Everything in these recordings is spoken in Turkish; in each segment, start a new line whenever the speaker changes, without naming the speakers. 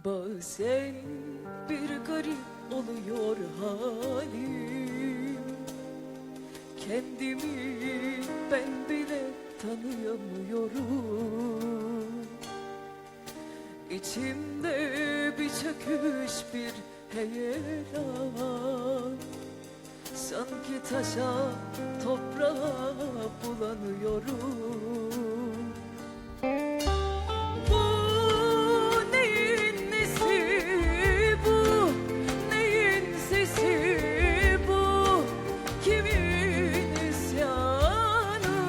Bazen bir garip oluyor halim, kendimi ben bile tanıyamıyorum. İçimde bir çöküş, bir heyelan, sanki taşa toprağa bulanıyorum. Bu neyin nesi bu, neyin sesi bu, kimin isyanı?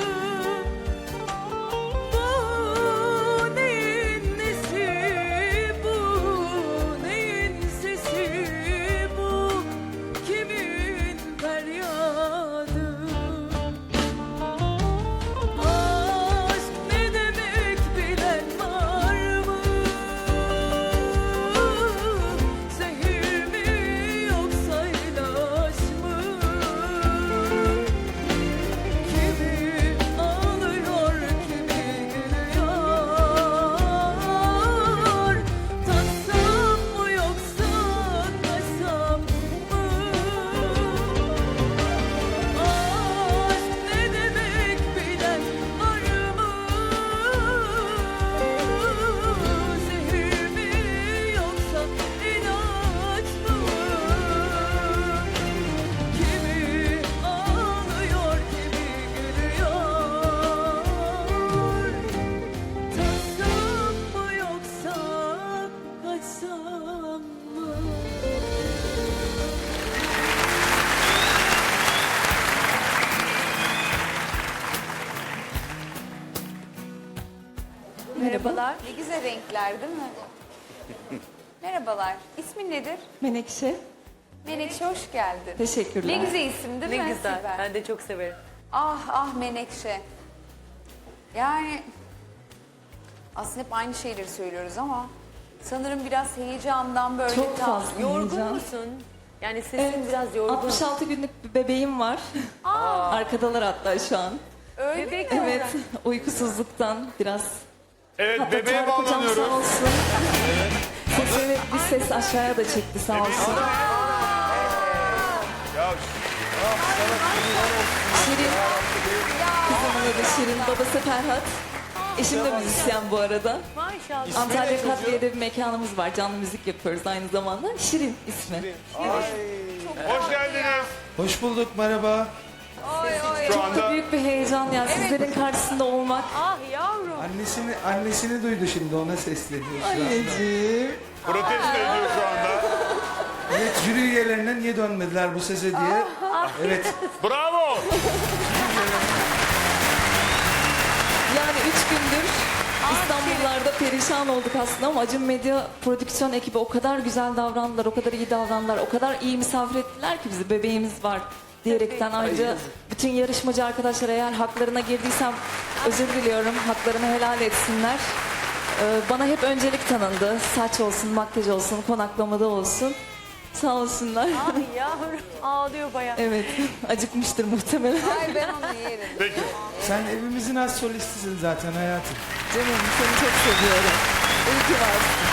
Bu neyin nesi bu, neyin sesi bu, kimin feryadı? Aşk ne demek bilen var mı? Zehir mi yoksa ilaç mı? Kimi ağlıyor, kimi gülüyor. Tatsam mı yoksa kaçsam mı? Aşk ne demek bilen var mı? Zehir mi yoksa ilaç mı? Kimi ağlıyor, kimi gülüyor. Tatsam mı yoksa kaçsam mı?
Merhabalar. Ne güzel renkler değil mi? Merhabalar. İsmin nedir?
Menekşe.
Menekşe, hoş geldin.
Teşekkürler.
Ne güzel isim değil
Ne
mi?
güzel.
Sibel?
Ben de çok severim.
Ah ah Menekşe. Yani aslında hep aynı şeyleri söylüyoruz ama sanırım biraz heyecandan böyle
Çok
tam-
fazla
Yorgun
heyecan.
musun? Yani sesin
Evet,
biraz yorgun.
66 günlük bir bebeğim var. Arkadalar hatta şu an.
Öyle
Bebek
mi?
Evet, uykusuzluktan biraz.
Evet,
Hatta
bebeğe
Tarık hocam sağ
bağlanıyoruz.
olsun. Sesini bir ses aşağıya da çekti sağ olsun.
Ya
Şirin, kızımın adı Şirin, babası Ferhat. Eşim de müzisyen bu arada.
Maşallah.
Antalya Kadriye'de bir mekanımız var, canlı müzik yapıyoruz aynı zamanda. Şirin ismi.
hoş geldiniz.
Hoş bulduk, merhaba.
Şu
Çok
anda
büyük bir heyecan ya, sizlerin karşısında olmak.
Ah yavrum.
Annesini duydu şimdi, ona sesleniyor şu anda.
Anneciğim.
protesto ediyor şu anda.
Evet, jüri üyelerine niye dönmediler bu sese diye. Evet,
Bravo.
Yani 3 gündür İstanbullarda perişan olduk aslında ama Acun Medya prodüksiyon ekibi o kadar güzel davrandılar, o kadar iyi davrandılar, o kadar iyi misafir ettiler ki bizi, bebeğimiz var diyerekten. Ayrıca bütün yarışmacı arkadaşlar, eğer haklarına girdiysem özür diliyorum, haklarını helal etsinler. Bana hep öncelik tanındı, saç olsun, makyaj olsun, konaklamada olsun. Sağ olsunlar.
Ah yavrum. Ağlıyor bayağı.
Evet, acıkmıştır muhtemelen.
Ay ben onu yerim.
Peki.
sen evimizin az solistisin zaten hayatım.
Canım seni çok seviyorum. İyi ki varsın.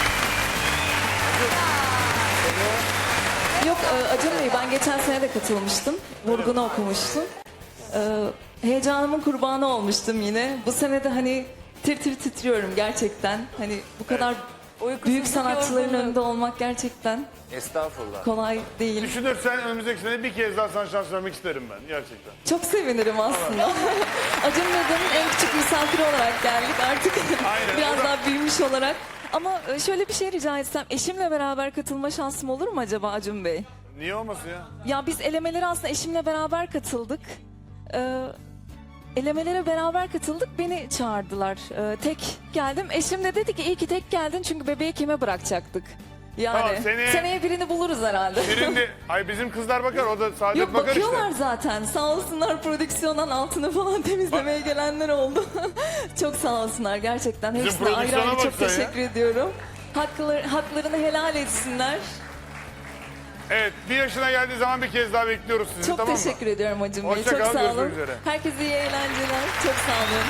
Yok Acun Bey, ben geçen sene de katılmıştım. Vurgun'u okumuştum. Heyecanımın kurbanı olmuştum yine. Bu sene de hani tir tir titriyorum gerçekten. Hani bu kadar
Uykusuzluk,
büyük sanatçıların
yorgunluk.
önünde olmak gerçekten
Estağfurullah.
kolay değil.
Düşünürsen önümüzdeki sene bir kez daha sana şans vermek isterim ben gerçekten.
Çok sevinirim aslında. Acun Medya'nın en küçük misafiri olarak geldik artık.
Aynen.
Biraz daha büyümüş olarak. Ama şöyle bir şey rica etsem, eşimle beraber katılma şansım olur mu acaba Acun Bey?
Niye olmasın ya?
Ya biz elemelere aslında eşimle beraber katıldık. Elemelere beraber katıldık, beni çağırdılar. Tek geldim, eşim de dedi ki iyi ki tek geldin çünkü bebeği kime bırakacaktık? Yani
Tamam,
seneye birini buluruz herhalde.
Şirin de, ay bizim kızlar bakar, o da Saadet
Yok,
bakar
bakıyorlar
işte.
zaten. Sağ olsunlar, prodüksiyondan altını falan temizlemeye gelenler oldu. Çok sağ olsunlar gerçekten.
Bizim
Hepsine ayrı
prodüksiyona
ayrı çok
baksan ya.
teşekkür ediyorum. Haklarını helal etsinler.
Evet, bir yaşına geldiği zaman bir kez daha bekliyoruz sizi,
Çok
tamam mı?
teşekkür ediyorum Acun Bey.
Hoşça
Çok
kalın,
sağ olun.
görüşmek üzere.
Herkese iyi eğlenceler. Çok sağ olun.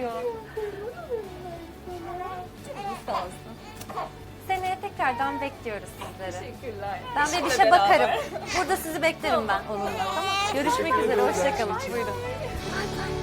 ağlıyor. Seneye tekrardan bekliyoruz sizleri.
Teşekkürler.
Ben bir işe bakarım. Burada sizi beklerim ben onunla. Tamam. Görüşmek üzere. Hoşçakalın. Buyurun.